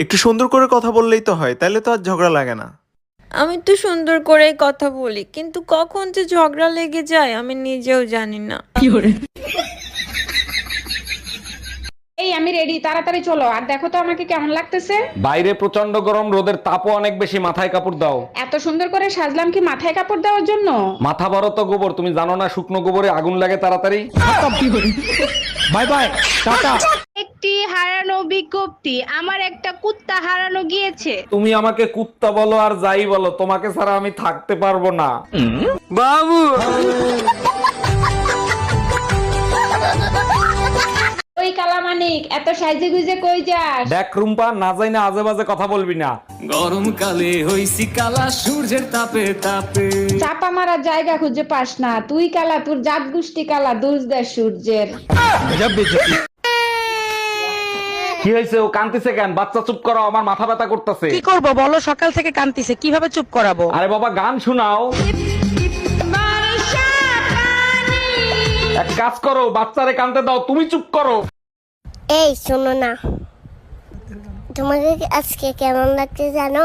একটু সুন্দর করে কথা বললেই তো হয়, তাইলে তো আর ঝগড়া লাগে না। আমি তো সুন্দর করেই কথা বলি, কিন্তু কখন যে ঝগড়া লেগে যায় আমি নিজেও জানি না। এই আমি রেডি, তাড়াতাড়ি চলো। আর দেখো তো আমাকে কেমন লাগতেছে। বাইরে প্রচন্ড গরম, রোদের তাপও অনেক বেশি, মাথায় কাপড় দাও। এত সুন্দর করে সাজলাম কি মাথায় কাপড় দেওয়ার জন্য? মাথা বড় তো গোবর, তুমি জানো না শুকনো গোবরে আগুন লাগে তাড়াতাড়ি। Bye bye, tata. একটি হারানো বিজ্ঞপ্তি, আমার একটা কুত্তা হারানো গিয়েছে। তুমি আমাকে কুত্তা বলো আর যাই বলো, তোমাকে ছাড়া আমি থাকতে পারবো না। ওই কালামানিক, এত সাইজে গুজে কই যাস? দেখ রুম্পা, না যাই না আজে বাজে কথা বলবি না। গরমকালে হইছি কালা সূর্যের তাপে তাপে। চাপা মারার জায়গা খুঁজে পাস না। তুই কালা, তোর জাত গোষ্ঠী কালা, দোষ দেয় সূর্যের। কি হয়েছে, ও কান্তিছে কেন? বাচ্চা চুপ করো, আমার মাথা ব্যথা করতেছে। কি করব বলো, সকাল থেকে কান্তিছে, কিভাবে চুপ করাবো? আরে বাবা গান শোনাও। এক কাজ করো, বাচ্চারে কানতে দাও, তুমি চুপ করো। এই শোনো না, তোমাকে আজকে কেমন লাগছে জানো?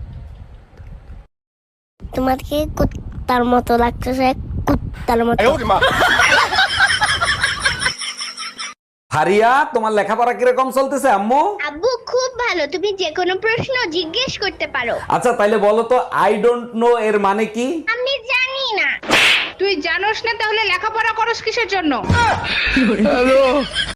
তোমাকে কুত্তার মতো লাগতেছে, কুত্তার মতো। হারিয়া, তোমার লেখাপড়া কিরকম চলতেছে আম্মু? আব্বু খুব ভালো, তুমি যে কোনো প্রশ্ন জিজ্ঞেস করতে পারো। আচ্ছা তাইলে বলো তো, আই ডোন্ট নো এর মানে কি? আমি জানি না। তুই জানোস না, তাহলে লেখাপড়া করস কিসের জন্য?